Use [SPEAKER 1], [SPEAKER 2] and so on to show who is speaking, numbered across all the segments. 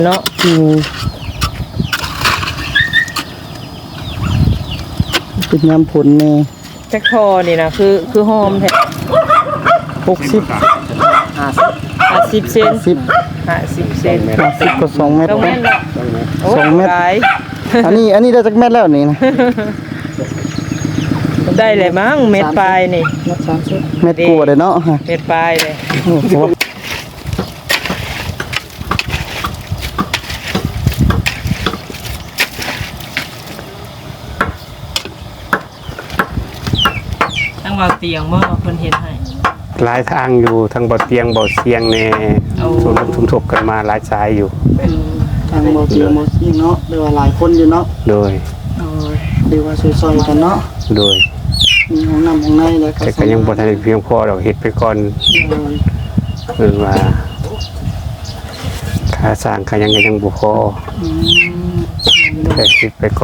[SPEAKER 1] เนาะ
[SPEAKER 2] เป็นยำผลแน่
[SPEAKER 1] จักทอนี่นะคือหอมแท้
[SPEAKER 2] 50
[SPEAKER 1] 50เซน50เซน
[SPEAKER 2] 50ก็2เม็ด
[SPEAKER 1] 2เม็ดเนาะ
[SPEAKER 2] 2เม็ด
[SPEAKER 1] หลาย
[SPEAKER 2] อันนี้ได้จักเม็ดแล้วนี่นะ
[SPEAKER 1] ได้เลยมั้งเม็ดปลายนี่
[SPEAKER 2] เม็ดกลัวเลยเนาะ
[SPEAKER 1] เม็ดปลายเลย
[SPEAKER 2] โอ้โห
[SPEAKER 1] ตั้งว่าเตียงบ่เพิ่นเฮ็ดให้
[SPEAKER 3] หลายทางอยู่ทั้งบ่อเตียงบ่อเสียงแน่ทุ่มทบกันมาหลายสายอยู่
[SPEAKER 2] ทางบ่เตียงบ่ซิ่งเนาะเรียกว่าหลายคนอยู่เนาะ
[SPEAKER 3] โดย
[SPEAKER 2] เรียกว่าซอยๆกันเนาะ
[SPEAKER 3] โดย
[SPEAKER 2] มีห้องน้ำห้องในแล้ว
[SPEAKER 3] แต่ก็ยังบ่ทันได้เพียงพอดอกเฮ็ดไปก่อนคือว่าค่าสร้างค่ายังก็ยังบ่พอแต่เฮ็ดไปก่อน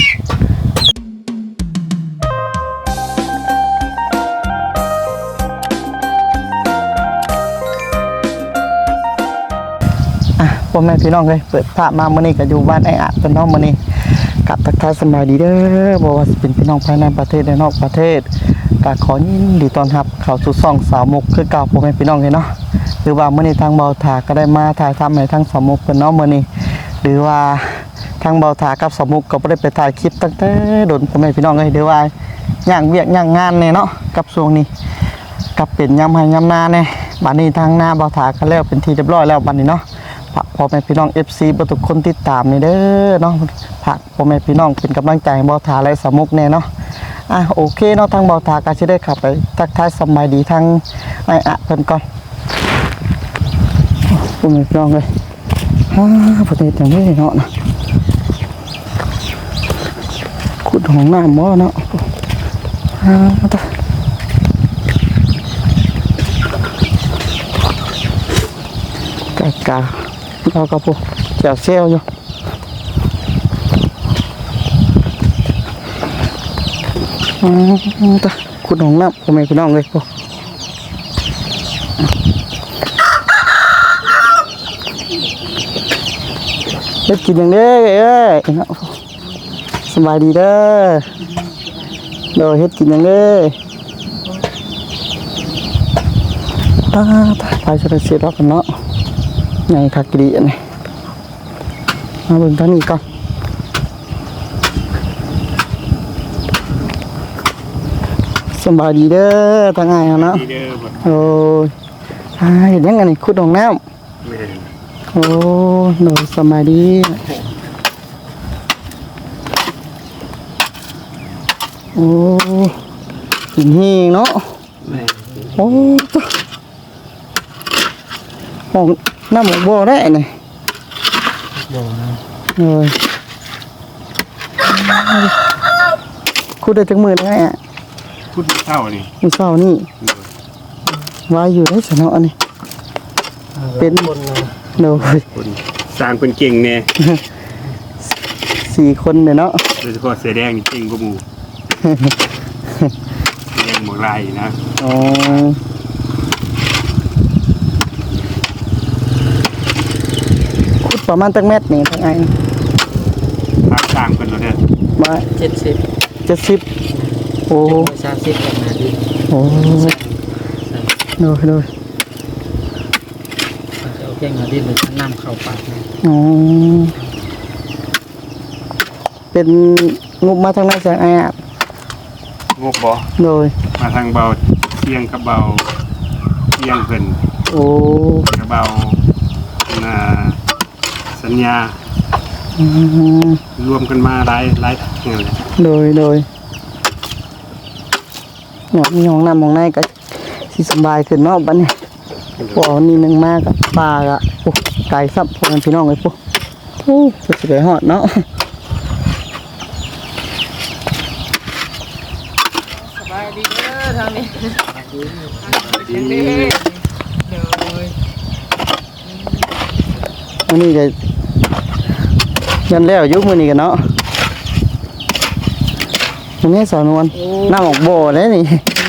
[SPEAKER 2] พ่อแม่พี่น้องเลยเปิดภาพมามื้อนี้ก็อยู่บ้านไอ้อะเป็นน้องมื้อนี้กับทักทายสบายดีเด้อบ่ว่าสิเป็นพี่น้องภายในประเทศและนอกประเทศก็ขอยินดีต้อนรับเข้าสู่ช่องสาวมุกคือเก่าพ่อแม่พี่น้องเลยเนาะหรือว่ามื้อนี้ทางเบาถาก็ได้มาถ่ายทำให้ทางสาวมุกเพิ่นเนาะมื้อนี้หรือว่าทางเบาถากับสาวมุกก็บ่ได้ไปถ่ายคลิปตั้งแต่โดนพ่อแม่พี่น้องเลยหรือว่าย่างเวียกย่างงานแน่เนาะกับช่วงนี้กับเป็นยามให้ยามนาแน่บัดนี้ทางหน้าเบาถาก็แล้วเป็นที่เรียบร้อยแล้วบัดนี้เนาะพ่อแม่พี่น้อง FC บ่ทุกคนติดตามนี่เด้อเนาะฝากพ่อแม่พี่น้องเป็นกำลังใจให้เบาถาและสาวมุกแน่เนาะโอเคเนาะทางเบาถาก็สิได้ขับไปทักทายสบายดีทางไอ้อะเพิ่นก่อนพ่อแม่พี่น้องเลยประเทศจังนี้เนาะขุดห้องน้ำบ่เนาะกะเราก็ปุ๊บแจวเซลอยู่ขุดห้องน้ำพ่อแม่พี่น้องเลยปุ๊บเฮ็ดกินอย่างนี้สบายดีเด้อโดยเฮ็ดกินอย่างนี้ไปจะได้เสียดอกกันเนาะในคักดีนี่มาเบิ่งทางนี้ก่อนสบายดีเด้อทางไงเนาะโอ้ยเห็นยังไงนี่ขุดห้องน้ำโอ้โดยสบายดีโอ้หินเฮงเนาะโอ้ห้องน้ำหมกบ่อได้นี่เลยขุดได้จังมือได้อะ
[SPEAKER 3] พูดเท่านี่
[SPEAKER 2] มีเศร้านี่วายอยู่ในสนอนี่เป็นโดย
[SPEAKER 3] คนสร้างเป็นเก่งแน่
[SPEAKER 2] 4 คนเนี่ยเนาะ
[SPEAKER 3] โดยเฉพาะเสือแดงนี่เก่งกว่าหมู่เสือแดงหมวกลายนะ
[SPEAKER 2] อ๋อขุดประมาณตั้งเม็ดนี่ทั้งไง
[SPEAKER 3] ภาคสร้างเป็นแล้วเด้อ
[SPEAKER 2] มา70โอ้
[SPEAKER 1] 30ประมาณนี้
[SPEAKER 2] โอ้โดย
[SPEAKER 1] เอาแค่งาดินหรือน้ำเข้าปากนะ
[SPEAKER 2] อ๋อเป็นงบมาทางไหนแสงไอ้อะ
[SPEAKER 3] งบบ่
[SPEAKER 2] โดย
[SPEAKER 3] มาทางเบาเที่ยงกับเบาเที่ยงเพิ่น
[SPEAKER 2] โอ้
[SPEAKER 3] กับเบาสัญญารวมกันมาหลายเงี้ยเลย
[SPEAKER 2] โดยเนาะมีห้องน้ำห้องในก็สิสบายขึ้นเนาะบัดนี้พอนี่นึงมากกับปลาอะโอ้ไก่ซับพอกันพี่น้องเลยปุ๊บโอ้จะไปหอดเนาะ
[SPEAKER 1] สบายดีเด้อทางนี้
[SPEAKER 2] อันนี้ก็ยันแล้วยุคมือนี้กันเนาะอันนี้สาวนวลน้ำออกบ่อเลยนี่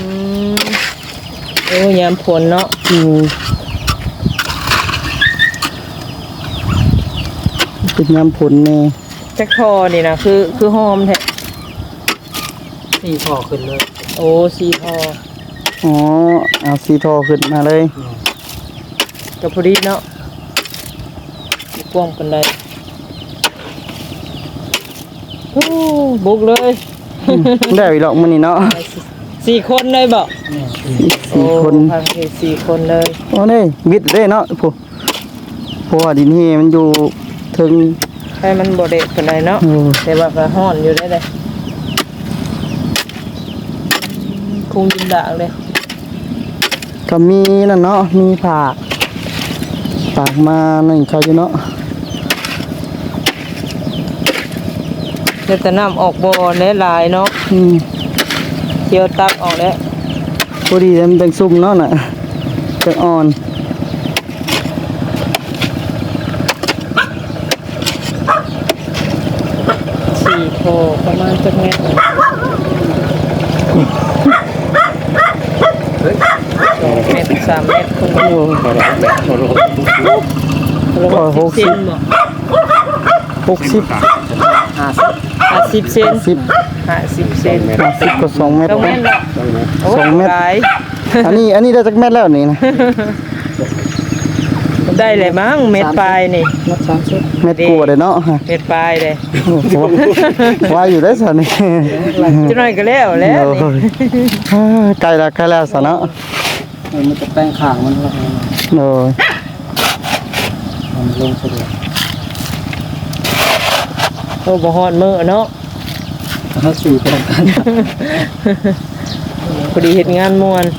[SPEAKER 1] โอ้ยามผลเนาะ
[SPEAKER 2] เป็นยำผลแน่
[SPEAKER 1] จักทอนี่นะคือหอมแท้สี่ทอขึ้นเลยโอ้สี่ทอ
[SPEAKER 2] อ๋อเอาสีทอขึ้นมาเลย
[SPEAKER 1] กับพอดีเนาะกว้างกันได้โอ้บุกเลย
[SPEAKER 2] ได้อีหรอกมื้อนี้เนาะ
[SPEAKER 1] สี่คนเลยบ่
[SPEAKER 2] สี่คน
[SPEAKER 1] พังเทสี่คนเลย
[SPEAKER 2] โอ้นี่วิทย์เด้เนาะผู้เพราะว่าดินเฮมันอยู่ถึง
[SPEAKER 1] ให้มันบ่เด็ดกันได้เนาะ
[SPEAKER 2] โอ้
[SPEAKER 1] แต่ว่าก็ฮ้อนอยู่ได้เลยคงยินดากเลย
[SPEAKER 2] ก็มีนั่นเนาะมีฝากมานั่นเขาอยู่เนาะ
[SPEAKER 1] เดี๋ยวแต่น้ำออกบ่อหลายเนาะ เคี่ยวตักออกแล้ว
[SPEAKER 2] พอดีมันเป็นซุ่มเนาะน่ะจะอ่อน
[SPEAKER 1] สี่โถประมาณจักเม็ดเม็ดสามเม็ดคงอยู่
[SPEAKER 2] 60
[SPEAKER 1] เซนบ่
[SPEAKER 2] 60
[SPEAKER 1] 50เซน
[SPEAKER 2] 10
[SPEAKER 1] 50เซน
[SPEAKER 2] 50ก็2เมตร
[SPEAKER 1] ต้องเม็ดละโอ้
[SPEAKER 2] สองเม็ด
[SPEAKER 1] หลาย
[SPEAKER 2] อันนี้ได้จักเม็ดแล้วนี่นะ
[SPEAKER 1] ได้เลยมั้งเม็ดปลายนี่
[SPEAKER 2] เม็ดกลัวเลยเนาะ
[SPEAKER 1] เม็ดปลายเลย
[SPEAKER 2] โอ้โหว่าอยู่ได้ซะนี่
[SPEAKER 1] จะน้อยก็แล้วนี่
[SPEAKER 2] ใกล้แล้วซะเนาะ
[SPEAKER 1] มันจะแป้งข้างมันละ
[SPEAKER 2] โอ้ย
[SPEAKER 1] มันลงสะดวกโอ้บ่ฮอดมื้อเนาะ
[SPEAKER 2] ถ้าสู่ตรงกัน
[SPEAKER 1] พอดีเฮ็ดงานม่วน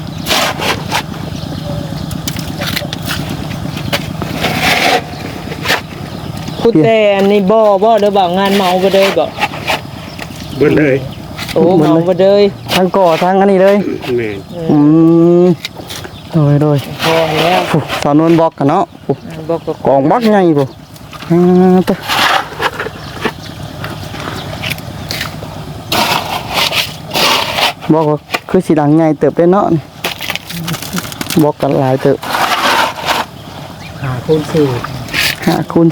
[SPEAKER 1] พูดแต่อันนี้บ่เด้อบ่งานเมาบ่เด้อบ่
[SPEAKER 3] เบิดเลย
[SPEAKER 1] โอ้เมาบ่เด้อ
[SPEAKER 2] ทั้งก่อทั้งอันนี้เลย
[SPEAKER 3] แม่น
[SPEAKER 2] อืมโดย
[SPEAKER 1] พอแล้ว
[SPEAKER 2] ผู้สาวนวลบอกกันเนาะผู้
[SPEAKER 1] บ่ก็
[SPEAKER 2] กองบักใหญ่ผู้ตะบอกว่าคือสีดังใหญ่เติบได้เนาะบอกกันหลายเติบ
[SPEAKER 1] คูณ
[SPEAKER 2] 5 คูณ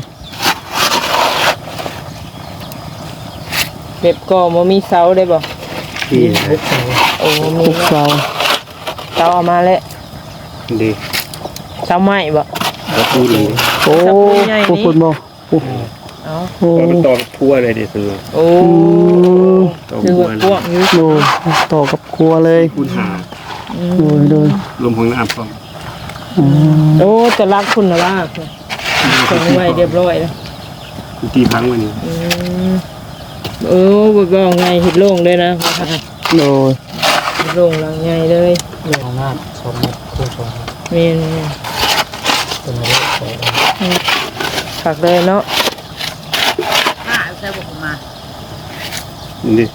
[SPEAKER 1] เก็บก็บ่มีเสาได้บ่
[SPEAKER 3] ที่
[SPEAKER 1] โอ้มี
[SPEAKER 2] 4 6เสา
[SPEAKER 1] เสาเอามาแล้ว
[SPEAKER 3] ดี
[SPEAKER 1] เสาไม้บ่
[SPEAKER 3] แล้วพูดดี
[SPEAKER 2] โอ้
[SPEAKER 1] ตะปูใหญ่นี่
[SPEAKER 2] ผู้คุณบ่โอ้
[SPEAKER 1] เอ้า
[SPEAKER 2] โห
[SPEAKER 3] มันต่อพัวเลยดิซื้อ
[SPEAKER 1] โอ้
[SPEAKER 3] ต่อ
[SPEAKER 1] คือ
[SPEAKER 3] พัว
[SPEAKER 1] พวกอยู่
[SPEAKER 2] ดูต่อกับครัวเลย
[SPEAKER 3] คูณหา
[SPEAKER 2] โดย
[SPEAKER 3] รวมของน้ำพร้อม
[SPEAKER 1] โอ้จะรักคุณนะว่าส่งไว้เรียบร้อยแล้ว
[SPEAKER 3] ตีพังวันนี้
[SPEAKER 1] เออบอกไงเห็ดโล่งเลยนะ
[SPEAKER 2] โดย
[SPEAKER 1] เห็ดโล่งหลังใหญ่เลย
[SPEAKER 4] เรื่องของหน้าชมคู่ชม
[SPEAKER 1] เมน
[SPEAKER 4] เป็นเรื่องของ
[SPEAKER 1] ผักเลยเนาะ
[SPEAKER 3] นี่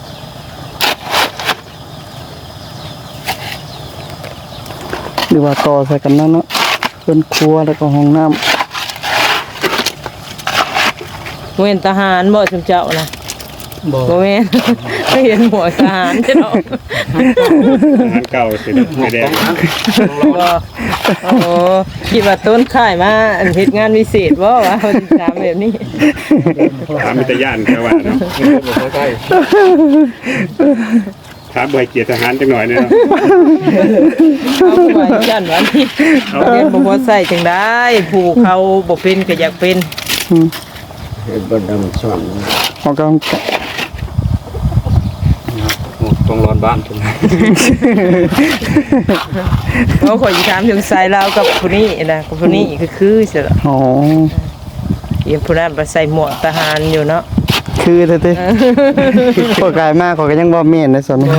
[SPEAKER 2] หรือว่าต่อใส่กันนั่นเนาะเป็นครัวแล้วก็ห้องน้
[SPEAKER 1] เว้นทหารบ่ชุมเจ้านะ
[SPEAKER 4] บ่
[SPEAKER 1] บ่เว้น ไม่เห็นหมวกทหารใช่เนาะ
[SPEAKER 3] อาหารเก่าสิไม่แดง
[SPEAKER 1] บ่โอ้คิดว่าต้นข่ายมาอันเฮ็ดงานพิเศษบ่วะวันที่สามแบบนี้
[SPEAKER 3] ถามมิตรย่านแค่ว่าเนาะ
[SPEAKER 4] บ่ใกล้
[SPEAKER 3] ถามบ่ให้เกียรติทหารจังหน่อยเนาะ
[SPEAKER 1] เอาไว้ยันวันนี้เอาเรียนบ่พอใส่จังได้ผู้เขาบ่เป็นก็อยากเป็น
[SPEAKER 2] ำห้องกำลัง
[SPEAKER 4] ต้องร้อนบ้านใช่ไหม
[SPEAKER 1] เพราะข่อยสิถามถึงสายลาวกับผู้นี้นะกับผู้นี้คือสิล่ะ
[SPEAKER 2] อ๋อ
[SPEAKER 1] เอียนผู้นั้นไปใส่หมวกทหารอยู่เนาะ
[SPEAKER 2] คือเต้ๆพอกายมากเขาก็ยังบ่เม่นในส่วนนี้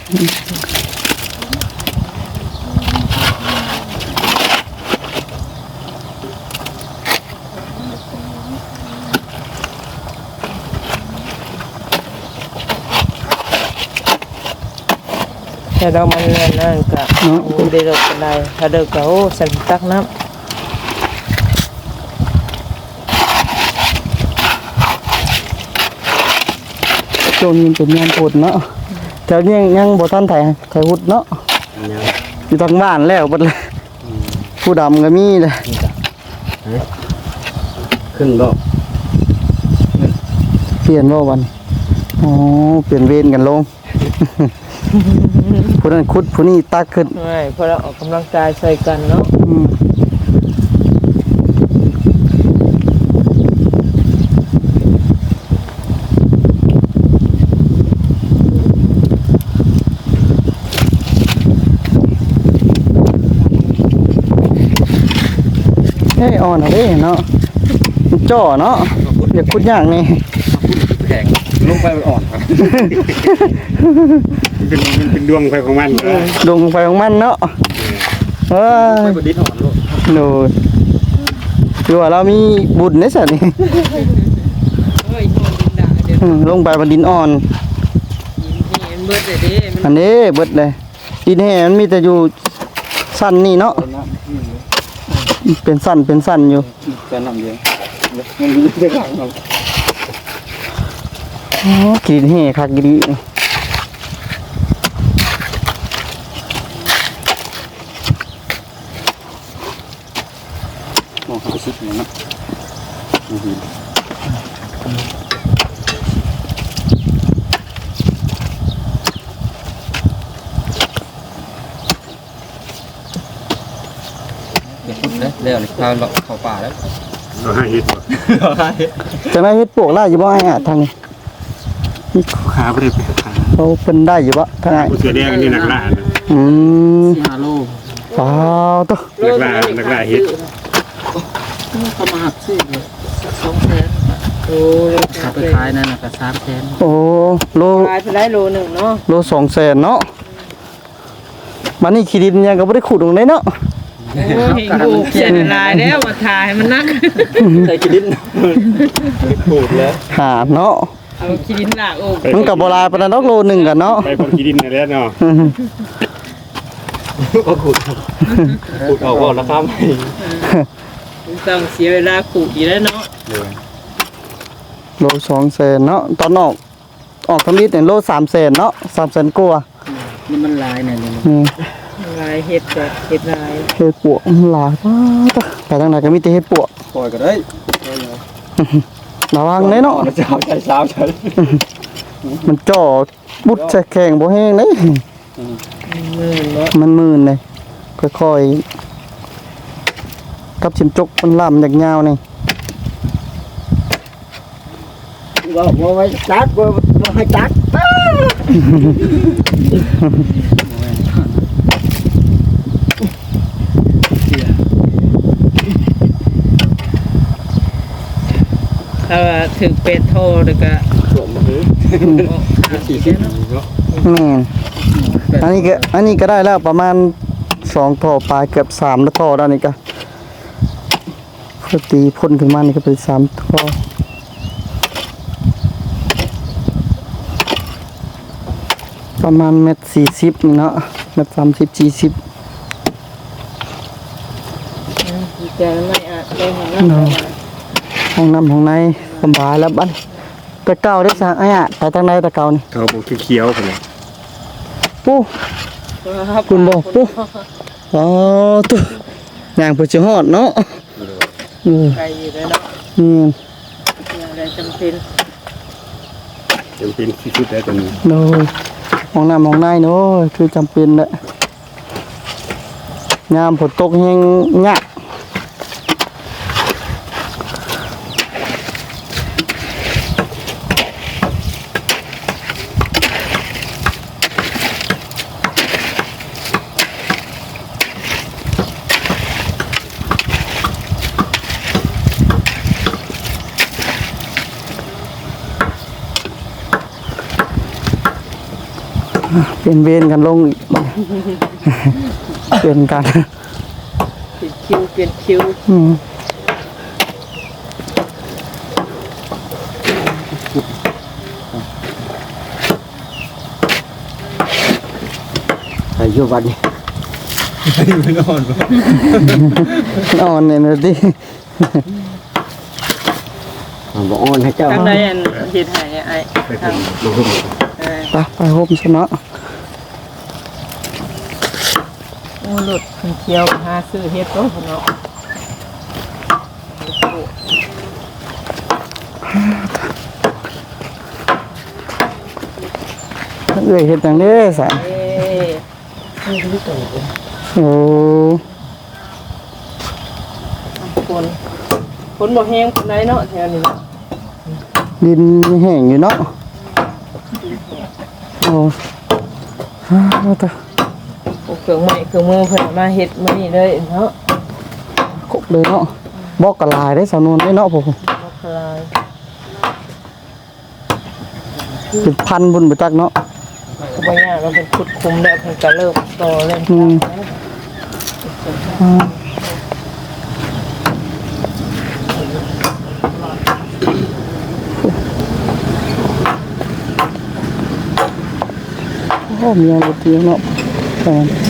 [SPEAKER 1] แต่เรามันนั่นก็โอ้ได้ดอกกันได้ถ้าเดิกก็โอ้สันตักน้ำ
[SPEAKER 2] ช่วงนี้เป็นงานพุดเนาะแถวนี้ยังบ่ทันไถหุดเนาะอยู่ทางบ้านแล้วบัดเลยผู้ดำก็มีเลย
[SPEAKER 4] ขึ้นรอบ
[SPEAKER 2] เปลี่ยนบ่วันอ๋อเปลี่ยนเวรกันลง ผู้นั้นขุดผู้นี้ตักขึ้น
[SPEAKER 1] ไม่เพราะเราออกกำลังกายใส่กันเนาะ
[SPEAKER 2] อืมเฮ้ยอ่อนเอาเด้เนาะมันจ่อเนาะอย่าขุดยากนี่
[SPEAKER 4] แข็งลงไปอ่อนครับ
[SPEAKER 3] เป็นดวงไฟของมัน
[SPEAKER 2] ลงไปของมันเนาะเอ้
[SPEAKER 4] ไม่
[SPEAKER 2] ย
[SPEAKER 4] บดินอ่อนลูก
[SPEAKER 2] โน่คือว่าเรามีบุญในสัตว์นี่
[SPEAKER 1] เฮ้ยโดนดินด่าเดี๋ยว
[SPEAKER 2] ลงไปบนดินอ่อน
[SPEAKER 1] นี่มันเบิดเลยเด้มัน
[SPEAKER 2] อันนี้เบิดเลยดินแห้มันมีแต่อยู่สั้นนี่เนาะเป็นสั้นอยู่
[SPEAKER 4] จะนำเยอะมันมีเรื่องครับ
[SPEAKER 2] อ๋อกินแห้คักดีนี่
[SPEAKER 4] มองหาชิดเลยนะเดี๋ยวพูดนะเรื่องข้าวเข้าป่าแล้ว
[SPEAKER 3] เราให้เฮ็ดบ่
[SPEAKER 2] จะได้เฮ็ดปวกได้อยู่บ่ไอ้อะทางนี้
[SPEAKER 3] ขาบ่ได้ไปขา
[SPEAKER 2] เขาเพิ่นได้อยู่บ่ทางไหน
[SPEAKER 3] ผู้เสือแดงนี่นักล่านะ
[SPEAKER 2] อืม
[SPEAKER 4] 5 โล
[SPEAKER 2] ฟ้าวตัว
[SPEAKER 3] นักล่าเฮ็ด
[SPEAKER 4] เขามาหักซี่เลย
[SPEAKER 1] 200,000โอ้ย
[SPEAKER 4] ถ้าไปขายนั่นน่ะก็300,000
[SPEAKER 2] โอ้โล
[SPEAKER 1] ขายไปได้โลหนึ่งเนาะ
[SPEAKER 2] โล200,000เนาะมันนี่ขี้ดินยังก็บ่ได้ขุดลงได้เนาะ
[SPEAKER 1] โอ้ยดูเสียลายแล้วมาทายมันนัก
[SPEAKER 4] ใส่กิดินพูดแล้ว
[SPEAKER 2] หาเนาะ
[SPEAKER 1] เอาขี้ดินหลากโอ้
[SPEAKER 2] มันก็บ่หลายปานนั้นดอกโลหนึงกันเนาะ
[SPEAKER 3] ไปคนขี้ดินนั่นแหละเนาะ
[SPEAKER 4] ก็ขุดออกก่อนนะครับ
[SPEAKER 1] ต้องเสียเวลาขูดอีกแล้วเนาะ
[SPEAKER 2] โล200,000เนาะตอนออกทำนิดเนี่ยโล300,000เนาะ300,000กว่า
[SPEAKER 4] นี่มันลายเนี่ยนี่
[SPEAKER 2] นี่
[SPEAKER 1] ลายเห็ดแบบเห็ดลาย
[SPEAKER 2] เฮ็ดปวกมันหลายมากไปทางไหนก็มีแต่เฮ็ดปวก
[SPEAKER 4] ปล่อยก็ได้
[SPEAKER 2] ระวังเลยเนาะ
[SPEAKER 4] เช้าใช้เช้าใช้
[SPEAKER 2] มันจ่อบุดใส่แข่งบ่แห้งเลย
[SPEAKER 1] มือเนาะ
[SPEAKER 2] มันมื่นเลยค่อยๆกับชิมจกมันล่ำยาวๆนี่
[SPEAKER 5] ว่าไว้ตัดว่าให้ตัด
[SPEAKER 1] ถ้าถึงเป็ดโทแล้วก็
[SPEAKER 4] 40เนาะ
[SPEAKER 2] แม่นอันนี้ก็ได้แล้วประมาณ2ท่อปลายเกือบ3แล้วท่อแล้วนี่ก็พอตีพ่นขึ้นมานี่ก็เป็น3ท่อประมาณ1.40นี่เนาะ1.30 40
[SPEAKER 1] จะไม่อาจได้เห็น
[SPEAKER 2] เนาะ
[SPEAKER 1] นะ
[SPEAKER 2] ห้องน้ำห้องในสบายแล้วบัดตะเก่าได้สั่งไอ้อะไปทางไหนตะเก่านี่
[SPEAKER 3] เขาบอกเขียวๆพุ่นน่ะ
[SPEAKER 2] ปูคุณบอกปูอ๋อตัวอย่างเพื่อจะฮอดเนาะ
[SPEAKER 1] ไกลอยู่แล้วเนาะ
[SPEAKER 2] อืม
[SPEAKER 1] อะไรจำเป็น
[SPEAKER 3] จำเป็นที่สุดแล้วตอนนี้
[SPEAKER 2] โดยห้องน้ำห้องในเนาะคือจำเป็นแหละยามฝนตกแห้งยากเป็นเวรกันลงอีก เป็นกัน
[SPEAKER 1] เปลี่ยนคิว
[SPEAKER 2] อืม
[SPEAKER 5] ไอ้ยูวันนี้
[SPEAKER 2] นอนเนี่ยนะดิ
[SPEAKER 5] บอกอ่อนให้เจ้า
[SPEAKER 1] ทางใดอันเห็ดหายไอ้
[SPEAKER 3] ไปทางลงทุน
[SPEAKER 2] ไปโฮมชนะ
[SPEAKER 1] โอ้หลุดเที่ยวหาซื้อเห็ดโตเนาะ
[SPEAKER 2] เอ้ยเฮ็ดจังเด้ซะ
[SPEAKER 1] เอ้
[SPEAKER 2] โอ้
[SPEAKER 1] ฝนบ่แห้งปานใดเนาะแถวนี้
[SPEAKER 2] ดินแห้งอยู่เนาะโอ้เอาตะ
[SPEAKER 1] พวกเครื่องไม้เครื่องมือเพิ่นมาเฮ็ดมื้อนี้เลยเนาะ
[SPEAKER 2] กบเลยเนาะบอกกะลายได้สาวนวลได้เนาะผม
[SPEAKER 1] บ่คลาย
[SPEAKER 2] เป็นพันบุญไปจักเนาะ
[SPEAKER 1] ก็บ่ยากเราเป็นขุดคุมแล้วเพิ่นก็เริ่มต่อเล่น
[SPEAKER 2] โอ้มีอะไรเตียงเนาะแต่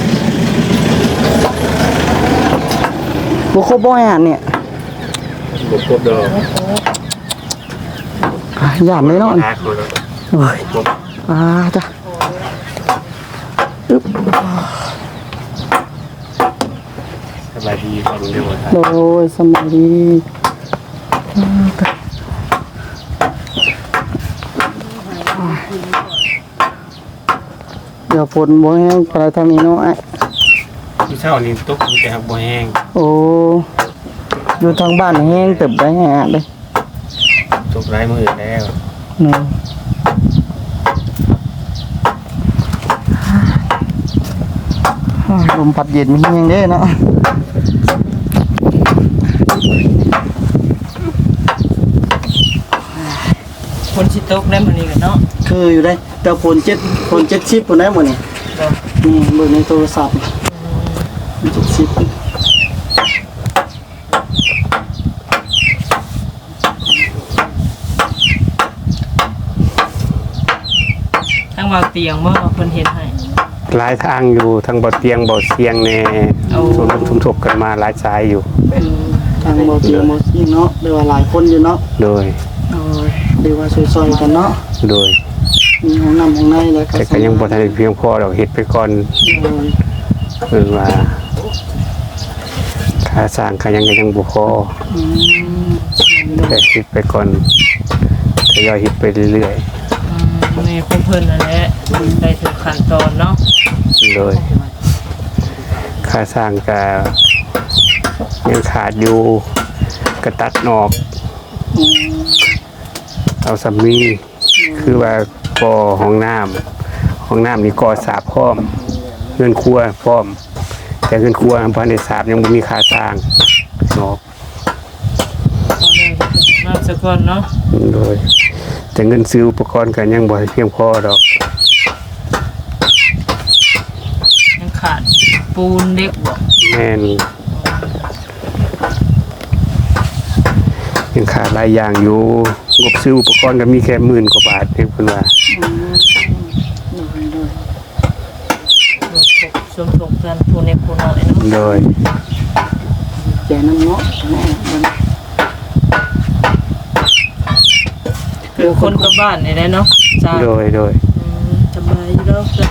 [SPEAKER 2] บุคคลบ่อยอ่านเนี่ย
[SPEAKER 3] บ่ครบดอก
[SPEAKER 2] หยาดเลยเนาะ
[SPEAKER 3] หาคน
[SPEAKER 2] โอ้ยจ้ะอึ๊บ
[SPEAKER 3] สบายดีฟังเร็วครับ
[SPEAKER 2] โอ้ยสมัยดีจ้ะเดี๋ยวฝนบ่แห้งไปทางนี้เนาะไอ้
[SPEAKER 3] ที่เช้านี่ตกอยู่แต่หักบ่แห้ง
[SPEAKER 2] โอ้อยู่ทางบ้านแห้งเติบได้แห้งเลย
[SPEAKER 3] ตกหลายมื้อแล้ว
[SPEAKER 2] เนาะลมพัดเย็นมีแห้งเด้เนาะ
[SPEAKER 1] คนสิตกได้มื้อนี้กันเนาะ
[SPEAKER 2] คืออยู่ได้แต่ฝน70ฝนได้หมดนี่นี่เบิ่งในโทรศัพท์70
[SPEAKER 1] ทางว่าเตียงบ่เพิ่นเฮ็ดให้
[SPEAKER 3] หลายทางอยู่ทั้งบ่เตียงบ่เสียงแน่
[SPEAKER 1] เอา
[SPEAKER 3] ทุ่มทบกันมาหลายสายอยู่
[SPEAKER 2] ทางบ่เตียงบ่ซิ่งเนาะเรียกว่าหลายคนอยู่เนาะ
[SPEAKER 3] โดย
[SPEAKER 2] เรียกว่าซอยๆกันเนาะ
[SPEAKER 3] โดย
[SPEAKER 2] มีห้องน้ำห้องในแล้วก็
[SPEAKER 3] แต่ก็ยังบ่ทันได้เพียงพอดอกเฮ็ดไปก่อนคือว่าค่าสร้างก็ยังบ่พอแต่เฮ็ดไปก่อนทยอยเฮ็ดไปเรื่อย
[SPEAKER 1] นี่ของเพิ่นนั่นแหละได้ถึงขั้นตอนเนาะ
[SPEAKER 3] ๆโดยค่าสร้างก็ยังขาดอยู่ก็ตัดออกเอาสำลีคือว่าก่อห้องน้ำนี่ก่อสาบพร้อมเงินครัวพร้อมแต่เงินครัวบ่ได้สาบยังบ่มีค่าสร้างออก
[SPEAKER 1] เอาเลยน้ำซะก่อนเนาะ
[SPEAKER 3] โดยแต่เงินซื้ออุปกรณ์กันยังบ่เพียงพอดอก
[SPEAKER 1] ยังขาดปูนเด็กบ่
[SPEAKER 3] แม่นยังขาดหลายอย่างอยู่งบซื้ออุปกรณ์ก็มีแค่10,000 กว่าบาทเองเพิ่นว่า
[SPEAKER 1] สมทบกันผู้เล็กผู้น้อยเนาะ
[SPEAKER 3] โดย
[SPEAKER 2] แจน้ำเนาะ
[SPEAKER 1] คือคนกับบ้านนี่แหละเนาะจ้า
[SPEAKER 3] โดย
[SPEAKER 1] สบายอยู่แล้วจ้ะ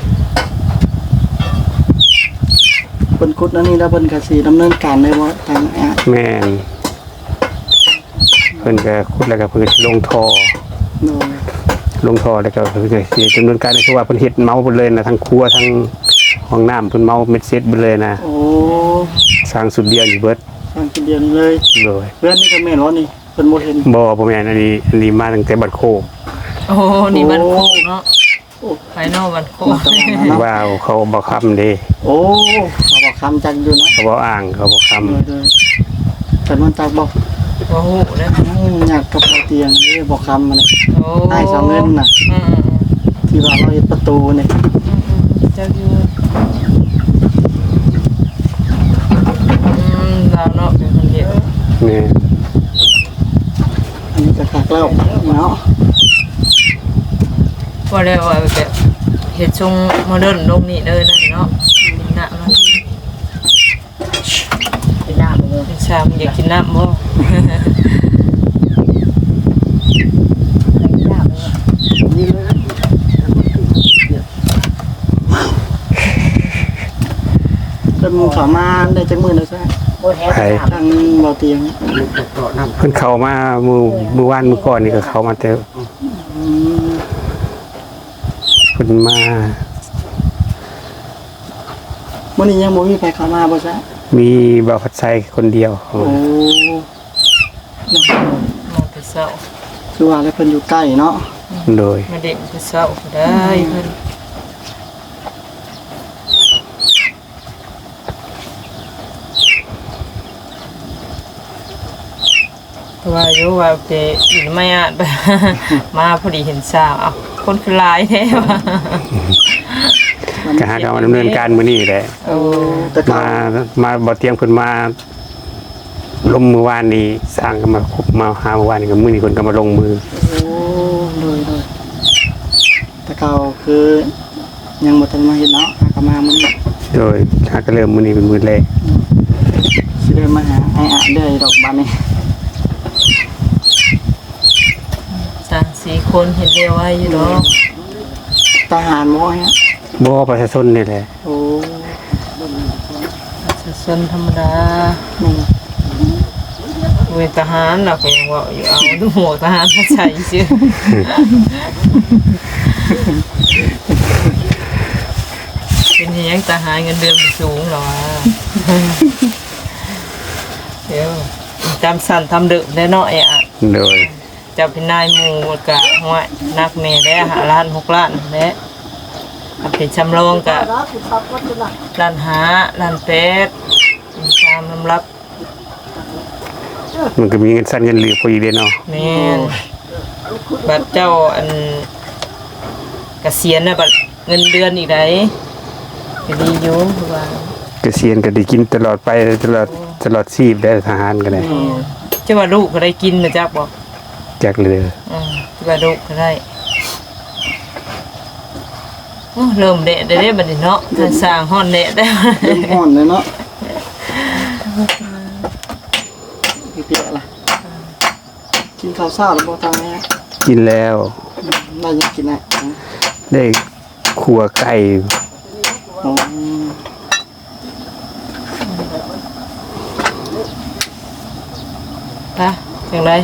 [SPEAKER 2] เพิ่นขุดอันนี้แล้วเพิ่นก็สิดำเนินการได้บ่ทางอ่ะ
[SPEAKER 3] แม่นเพิ่นก็ขุดแล้วก็เพิ่นก็สิลงท่อ
[SPEAKER 2] โดย
[SPEAKER 3] แล้วก็เพิ่นก็สิดำเนินการคือว่าเพิ่นเฮ็ดเมาหมดเลยนะทั้งครัวทั้งห้องน้ำเพิ่นเมาเม็ดเซ็ตหมดเลยนะ
[SPEAKER 2] โอ้
[SPEAKER 3] สร้างสุดเดียวอยู่เบิด
[SPEAKER 2] ทางเดียวเลย
[SPEAKER 3] โดย
[SPEAKER 2] เพื่อนนี่ก็แม่นบ่นี่เพิ่นบ่เห็น
[SPEAKER 3] บ่แม่นอันนี้มาตั้งแต่บัดโคก
[SPEAKER 1] โอ้นี่มันโคกเนาะภายนอกมันโคก
[SPEAKER 3] ว่าวเขาบ่ค้ำเด้
[SPEAKER 2] โอ้เขาบอกคำจังอยู่นะ
[SPEAKER 3] เขาบ่อ้างเขาบ่ค้ำ
[SPEAKER 2] โดยแต่มันจักบอก
[SPEAKER 1] บ่ฮู้เด้อ
[SPEAKER 2] อยากกับเตียงนี่บอกคำอะไร
[SPEAKER 1] โอ้
[SPEAKER 2] ให้สาวเงินน่ะ ที่ว่าเราเฮ็ดประตูนี่
[SPEAKER 1] เจ้าอยู่เราเนาะเป็นคนเดียว
[SPEAKER 3] นี่
[SPEAKER 2] อันนี้ก็คักแล้วเนาะ
[SPEAKER 1] พอแล้วว่าแบบเฮ็ดทรงโมเดิร์นลงนี่เลยนั่นเนาะกินน้ำมัน
[SPEAKER 5] เป็นน้ำเลย
[SPEAKER 1] เป็นชามอยากกินน้ำบ่
[SPEAKER 5] นี่เลย
[SPEAKER 2] เพิ่นเข้ามาได้จักมื้อแล้วซะ
[SPEAKER 5] โบแท้น้
[SPEAKER 2] ทางบ่เตียง
[SPEAKER 3] เพิ่นเข้ามามื้อวานมื้อก่อนนี่ก็เข้ามาแต่
[SPEAKER 2] อืม
[SPEAKER 3] เพิ่นมา
[SPEAKER 2] มื้อนี้ยังบ่มีใครเข้ามาบ่ซะ
[SPEAKER 3] มีบ่าวพัดไซคนเดียว
[SPEAKER 2] โอ้
[SPEAKER 1] มาแต่เช้า
[SPEAKER 2] คือว่าแล้วเพิ่นอยู่ใกล้เนาะ
[SPEAKER 3] โดย
[SPEAKER 1] มาเด็กแต่เช้าก็ได้เพิ่นว่าอยู่ว่าจะอีกไม่อาจ มาพอดีเห็นสาวเอ้าคนคือหลายแท้ว่ะ
[SPEAKER 3] ก็หาการดำเนินการมื้อนี้แหละ
[SPEAKER 1] โอ้
[SPEAKER 2] แต่ก็
[SPEAKER 3] มาบ่เตียงเพิ่นมาลงมือวานนี้สร้างก็มาคุบมาหาเมื่อวานนี้ก็มื้อนี้เพิ่นก็มาลงมือ
[SPEAKER 2] โอ้โดยแต่ก็คือยังบ่ทันมาเฮ็ดเนาะหาก็มามื้อนี้
[SPEAKER 3] โดยหาก็เริ่มมื้อนี้เป็นมื้อแรก
[SPEAKER 2] สิเดินมาหาไอ้อะเด้อดอกบานนี้
[SPEAKER 1] สามสี่คนเห็นเดียวไว้อยู่เนาะ
[SPEAKER 2] ทหารบ่ฮะ
[SPEAKER 3] บ่ประชาชนนี่แหละ
[SPEAKER 2] โอ้
[SPEAKER 1] สนธรรมดา
[SPEAKER 2] นั่น
[SPEAKER 1] เวทหารเราก็ยังว่าอยู่เอาดูหมวกทหารมาใส่ชื่อเป็นอยังทหารเงินเดือนสูงเหรอวะเดี๋ยวจำสั่นทำดึกได้เนาะไอ้อะ
[SPEAKER 3] โดย
[SPEAKER 1] จะเป็นนายหมู่กะห้วยนักเมย์ได้หาล้าน6 ล้านและเป็นชำรองกะล้านห้าล้าน8ตามลำรับ
[SPEAKER 3] มันก็มีเงินสั้นเงินเหลือพออีกเด้เนาะ
[SPEAKER 1] แม่นบัดเจ้าอันเกษียณน่ะบัดเงินเดือนอีกไดก็ดีอยู่คือว่า
[SPEAKER 3] เกษียณก็ได้กินตลอดไปตลอดชีพได้ทหารก็ได้
[SPEAKER 1] จะว่าลูกก็ได้กินนะจ๊ะบอก
[SPEAKER 3] จากเรือ
[SPEAKER 1] จะว่าลูกก็ได้โอ้เริ่มเดะได้บัดนี้เนาะทางสร้างฮ้อนเดะได้
[SPEAKER 2] เริ่มฮ้อนเลยเนาะพี่เปียล่ะกินข้าวเช้าแล้วบ่ทางนี้
[SPEAKER 3] กินแล้ว
[SPEAKER 2] ได้ยังกินอ่ะ
[SPEAKER 3] ได้ขัวไก่
[SPEAKER 2] อ๋อ
[SPEAKER 1] นะจังได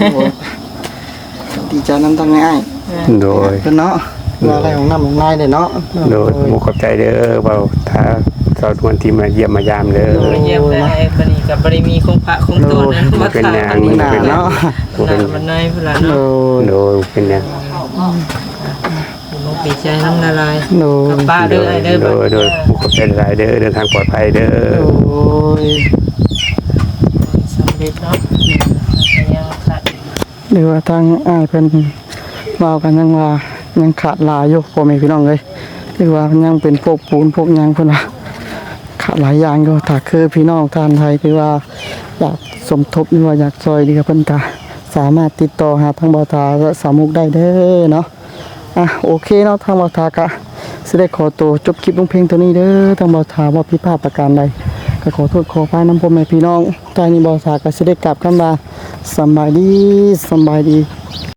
[SPEAKER 2] ดีใจนำทางง่าย
[SPEAKER 3] โดย
[SPEAKER 2] เพิ่นเนาะว่าอะไรของน้ำของนายเด้เนาะ
[SPEAKER 3] โดยหมู่ขอบใจเด้อเบาถ้าสาวทวนที่มาเยี่ยมมายามเด้อ
[SPEAKER 1] มาเยี่ยมได้บัดนี้ก็บ่ได้มีคงพระคงตัวนะ
[SPEAKER 3] บ่เป็นหยัง
[SPEAKER 2] หน้าเนาะ
[SPEAKER 3] บ่เป็น
[SPEAKER 1] มันนายพุ่นล่ะ
[SPEAKER 2] โด
[SPEAKER 1] เนาะ
[SPEAKER 2] ย
[SPEAKER 3] โดยเป็นหยัง
[SPEAKER 1] มุกปีใจน้ำละลาย
[SPEAKER 2] โดย
[SPEAKER 1] กับป้าเด้อไอ้เด้อ
[SPEAKER 3] โดยหมู่ขอบใจหลายเด้อเดินทางปลอดภัยเด้อ
[SPEAKER 2] โอ้ย
[SPEAKER 1] สำเร็จเนาะยังขาด
[SPEAKER 2] หรือว่าทางอ้ายเพิ่นเว้ากันยังว่ายังขาดหลายอยู่พ่อแม่พี่น้องเอ้ยหรือว่ายังเป็นพวกปูนพวกหยังเพิ่นว่าขาดหลายอย่างอยู่ถ้าคือพี่น้องทานไทยคือว่าอยากสมทบหรือว่าอยากช่วยเหลือเพิ่นก็สามารถติดต่อหาทางบ่าวตาและสาวมุกได้เด้อเนาะโอเคเนาะทางบ่าวตาก็สิได้ขอตัวจบคลิปลงเพลงตัวนี้เด้อทางบ่าวตาว่าผิดพลาดประการใดก็ขอโทษขออภัยนำพ่อแม่พี่น้องตอนนี้บ่าวตาก็สิได้กลับคำว่าสำบายดี